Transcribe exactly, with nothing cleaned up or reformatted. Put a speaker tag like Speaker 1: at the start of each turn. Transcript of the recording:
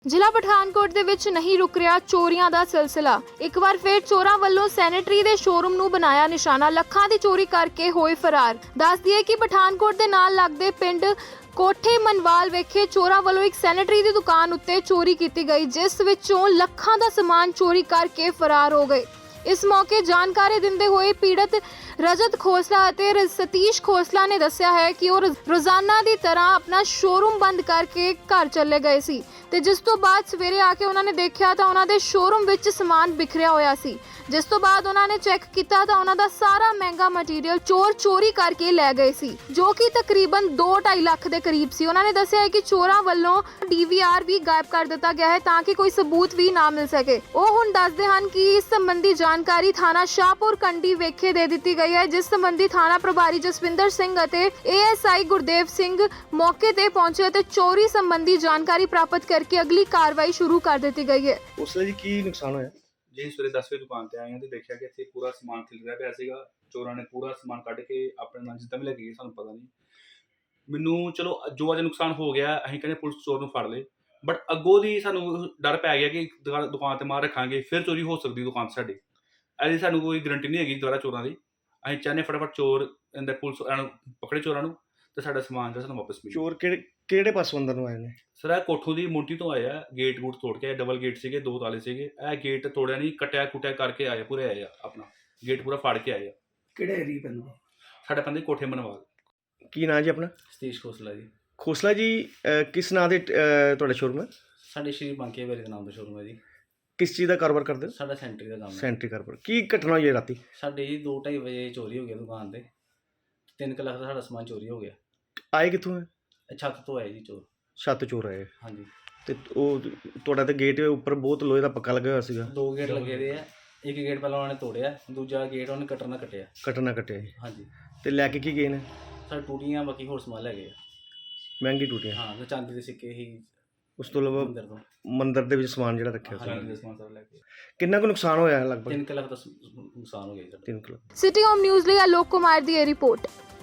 Speaker 1: ਜ਼ਿਲ੍ਹਾ ਪਠਾਨਕੋਟ ਦੇ ਵਿੱਚ ਨਹੀਂ ਰੁਕ ਰਿਹਾ ਚੋਰੀਆਂ ਦਾ ਸਿਲਸਿਲਾ। ਇੱਕ ਵਾਰ ਫਿਰ ਚੋਰਾਂ ਵੱਲੋਂ ਸੈਨੇਟਰੀ ਦੇ ਸ਼ੋਰੂਮ ਨੂੰ ਬਣਾਇਆ ਨਿਸ਼ਾਨਾ, ਲੱਖਾਂ ਦੀ ਚੋਰੀ ਕਰਕੇ ਹੋਏ ਫਰਾਰ। ਦੱਸ ਦਈਏ ਕਿ ਪਠਾਨਕੋਟ ਦੇ ਨਾਲ ਲੱਗਦੇ ਪਿੰਡ ਕੋਠੇ ਮਨਵਾਲ ਵਿਖੇ ਚੋਰਾਂ ਵੱਲੋਂ ਇੱਕ ਸੈਨੇਟਰੀ ਦੀ ਦੁਕਾਨ ਉੱਤੇ ਚੋਰੀ ਕੀਤੀ ਗਈ, ਜਿਸ ਵਿੱਚੋਂ ਲੱਖਾਂ ਦਾ ਸਮਾਨ ਚੋਰੀ ਕਰਕੇ ਫਰਾਰ ਹੋ ਗਏ। ਇਸ ਮੌਕੇ ਜਾਣਕਾਰੀ ਦਿੰਦੇ ਹੋਏ ਪੀੜਤ ਰਜਤ ਖੋਸਲਾ ਅਤੇ ਸਤੀਸ਼ ਖੋਸਲਾ ਨੇ ਦੱਸਿਆ ਹੈ ਕਿ ਉਹ ਰੋਜ਼ਾਨਾ ਦੀ ਤਰ੍ਹਾਂ ਆਪਣਾ ਸ਼ੋਰੂਮ ਬੰਦ ਕਰਕੇ ਘਰ ਚਲੇ ਗਏ ਸੀ ਤੇ ਜਿਸ ਤੋਂ ਬਾਅਦ ਸਵੇਰੇ ਆ ਕੇ ਉਹਨਾਂ ਨੇ ਦੇਖਿਆ ਤਾਂ ਉਹਨਾਂ ਦੇ ਸ਼ੋਰੂਮ ਵਿੱਚ ਸਮਾਨ ਬਿਖਰਿਆ ਹੋਇਆ ਸੀ। ਜਿਸ ਤੋਂ ਬਾਅਦ ਉਹਨਾਂ ਨੇ ਚੈੱਕ ਕੀਤਾ ਤਾਂ ਉਹਨਾਂ ਦਾ ਸਾਰਾ ਮਹਿੰਗਾ ਮਟੀਰੀਅਲ ਚੋਰ ਚੋਰੀ ਕਰਕੇ ਲੈ ਗਏ ਸੀ, ਜੋ ਕਿ ਤਕਰੀਬਨ ਦੋ ਢਾਈ ਲੱਖ ਦੇ ਕਰੀਬ ਸੀ। ਉਹਨਾਂ ਨੇ ਦੱਸਿਆ ਹੈ ਕਿ ਚੋਰਾਂ ਵੱਲੋਂ ਡੀ ਵੀ ਆਰ ਵੀ ਗਾਇਬ ਕਰ ਦਿੱਤਾ ਗਿਆ ਹੈ ਤਾਂ ਕਿ ਕੋਈ ਸਬੂਤ ਵੀ ਨਾ ਮਿਲ ਸਕੇ। ਉਹ ਹੁਣ ਦੱਸਦੇ ਹਨ ਕਿ ਇਸ ਸੰਬੰਧੀ ਜਾਣਕਾਰੀ ਥਾਣਾ ਸ਼ਾਹਪੁਰ ਕੰਡੀ ਵਿਖੇ ਦੇ ਦਿੱਤੀ ਗਈ ਹੈ, ਜਿਸ ਸੰਬੰਧੀ ਥਾਣਾ ਪ੍ਰਭਾਰੀ ਜਸਵਿੰਦਰ ਸਿੰਘ ਅਤੇ A S I Gurdev Singh ਮੌਕੇ ਤੇ ਪਹੁੰਚੇ ਅਤੇ ਚੋਰੀ ਸੰਬੰਧੀ ਜਾਣਕਾਰੀ ਪ੍ਰਾਪਤ ਕਰਕੇ ਅਗਲੀ ਕਾਰਵਾਈ ਸ਼ੁਰੂ ਕਰ ਦਿੱਤੀ ਗਈ ਹੈ।
Speaker 2: ਉਸ ਲਈ ਕੀ ਨੁਕਸਾਨ ਹੋਇਆ
Speaker 3: ਜੀ? ਸਵੇਰੇ ਦਸ ਵਜੇ ਦੁਕਾਨ ਤੇ ਆਏ ਹਾਂ ਤੇ ਦੇਖਿਆ ਕਿ ਇੱਥੇ ਪੂਰਾ ਸਮਾਨ ਖਿਲਰਿਆ ਪਿਆ ਸੀਗਾ। ਚੋਰਾਂ ਨੇ ਪੂਰਾ ਸਮਾਨ ਕੱਢ ਕੇ ਆਪਣੇ ਨਾਲ ਜਿੱਦਾਂ ਵੀ ਲੈ ਕੇ ਗਏ, ਸਾਨੂੰ ਪਤਾ ਨਹੀਂ। ਮੈਨੂੰ ਚਲੋ ਜੋ ਅੱਜ ਨੁਕਸਾਨ ਹੋ ਗਿਆ, ਅਸੀਂ ਕਹਿੰਦੇ ਪੁਲਿਸ ਚੋਰ ਨੂੰ ਫੜ ਲੇ, ਬਟ ਅੱਗੋਂ ਦੀ ਸਾਨੂੰ ਡਰ ਪੈ ਗਿਆ ਕਿ ਦੁਕਾਨ ਤੇ ਮਾਰ ਰੱਖਾਂਗੇ ਫਿਰ ਚੋਰੀ ਹੋ ਸਕਦੀ ਦੁਕਾਨ ਤੇ ਸਾਡੀ। ਇਹਦੀ ਸਾਨੂੰ ਕੋਈ ਗਰੰਟੀ ਨਹੀਂ ਹੈਗੀ ਦੁਬਾਰਾ ਚੋਰਾਂ ਦੀ। ਅਸੀਂ ਚਾਹੁੰਦੇ ਫਟਾਫਟ ਚੋਰ ਅੰਦਰ ਪੁਲਿਸ ਪਕੜੇ ਚੋਰਾਂ ਨੂੰ ਤੇ ਸਾਡਾ ਸਮਾਨ ਜਿਹੜਾ ਸਾਨੂੰ ਵਾਪਸ ਮਿਲੇ।
Speaker 2: ਚੋਰ ਕਿਹੜੇ ਕਿਹੜੇ ਪਾਸੋਂ ਅੰਦਰ ਨੂੰ ਆਏ ਨੇ?
Speaker 3: ਸਰ ਇਹ ਕੋਠੋਂ ਦੀ ਮੁੰਟੀ ਤੋਂ ਆਏ ਆ, ਗੇਟ ਗੂਟ ਤੋੜ ਕੇ। ਡਬਲ ਗੇਟ ਸੀਗੇ, ਦੋ ਤਾਲੇ ਸੀਗੇ। ਇਹ ਗੇਟ ਤੋੜਿਆ ਨਹੀਂ, ਕਟਿਆ ਕੁਟਿਆ ਕਰਕੇ ਆਏ, ਪੂਰੇ ਆਏ ਆ, ਆਪਣਾ ਗੇਟ ਪੂਰਾ ਫਾੜ ਕੇ ਆਏ ਆ।
Speaker 4: ਕਿਹੜੇ ਏਰੀਏ ਪੈਂਦਾ?
Speaker 3: ਸਾਡੇ ਪੈਂਦੇ ਕੋਠੇ ਮਨਵਾਲ।
Speaker 2: ਕੀ ਨਾਂ ਜੀ ਆਪਣਾ?
Speaker 5: ਸਤੀਸ਼ ਖੋਸਲਾ ਜੀ।
Speaker 2: ਖੋਸਲਾ ਜੀ, ਅਹ ਕਿਸ ਨਾਂ ਦੇ ਅਹ ਤੁਹਾਡਾ ਸ਼ੋਰੂਮ ਹੈ?
Speaker 5: ਸਾਡੇ ਸ਼੍ਰੀ ਬਾਂਕੇ ਵਾਲੇ ਦੇ ਨਾਮ ਦਾ ਸ਼ੋਰੂਮ ਹੈ ਜੀ।
Speaker 2: ਕਿਸ ਚੀਜ਼ ਦਾ ਕਾਰੋਬਾਰ ਕਰਦੇ ਹੋ?
Speaker 5: ਸਾਡਾ ਸੈਂਟਰੀ ਦਾ ਕੰਮ ਹੈ।
Speaker 2: ਸੈਂਟਰੀ ਕਾਰੋਬਾਰ। ਕੀ ਘਟਨਾ ਹੋਈ ਹੈ ਰਾਤੀ?
Speaker 5: ਸਾਡੇ ਜੀ ਦੋ ਢਾਈ ਵਜੇ ਚੋਰੀ ਹੋ ਗਿਆ ਦੁਕਾਨ ਤੇ। ਤਿੰਨ ਕੁ ਲੱਖ ਦਾ ਸਾਡਾ ਸਮਾਨ ਚੋਰੀ ਹੋ ਗਿਆ।
Speaker 2: ਆਏ ਕਿੱਥੋਂ ਹੈ?
Speaker 5: ਇਹ ਛੱਤ ਤੋਂ ਆਏ ਜੀ ਚੋਰ।
Speaker 2: ਛੱਤ ਚੋਰ ਆਏ।
Speaker 5: ਹਾਂਜੀ।
Speaker 2: ਤੇ ਉਹ ਤੁਹਾਡਾ ਤੇ ਗੇਟ ਉੱਪਰ ਬਹੁਤ ਲੋਹੇ ਦਾ ਪੱਕਾ ਲੱਗਾ ਹੋਇਆ ਸੀਗਾ।
Speaker 5: ਦੋ ਗੇਟ ਲੱਗੇ ਦੇ ਆ। ਇੱਕ ਗੇਟ ਪਹਿਲਾਂ ਉਹਨਾਂ ਨੇ ਤੋੜਿਆ, ਦੂਜਾ ਗੇਟ ਉਹਨੇ ਕਟਰ ਨਾਲ ਕੱਟਿਆ।
Speaker 2: ਕੱਟਣਾ ਕੱਟਿਆ ਜੀ।
Speaker 5: ਹਾਂਜੀ।
Speaker 2: ਤੇ ਲੈ ਕੇ ਕੀ ਗਏ ਨੇ?
Speaker 5: ਸਾਡੇ ਟੂਟੀਆਂ, ਬਾਕੀ ਹੋਰ ਸਮਾਨ ਲੈ ਗਏ ਆ।
Speaker 2: ਮਹਿੰਗੀ ਟੂਟੀਆਂ?
Speaker 5: ਹਾਂ, ਤੇ ਚਾਂਦੀ ਦੇ ਸਿੱਕੇ ਹੀ
Speaker 2: ਉਸ ਤੋਂ ਇਲਾਵਾ
Speaker 5: ਮੰਦਰ ਤੋਂ।
Speaker 2: ਮੰਦਿਰ ਦੇ ਵਿੱਚ ਸਮਾਨ ਜਿਹੜਾ ਰੱਖਿਆ ਸੀ।
Speaker 5: ਹਾਂਜੀ।
Speaker 3: ਦੇ ਸਮਾਨ ਸਾਰਾ ਲੈ ਕੇ।
Speaker 2: ਕਿੰਨਾ ਕੁ ਨੁਕਸਾਨ ਹੋਇਆ ਲਗਭਗ?
Speaker 5: ਤਿੰਨ ਕੁ ਲੱਖ ਦਾ ਸ- ਨੁਕਸਾਨ ਹੋ ਗਿਆ ਜੀ ਸਾਡਾ।
Speaker 2: ਤਿੰਨ ਕਿਲੋ।
Speaker 1: ਸਿਟੀ ਹੋਮ ਨਿਊਜ਼ ਲਈ ਆਲੋਕ ਕੁਮਾਰ ਦੀ ਇਹ ਰਿਪੋਰਟ।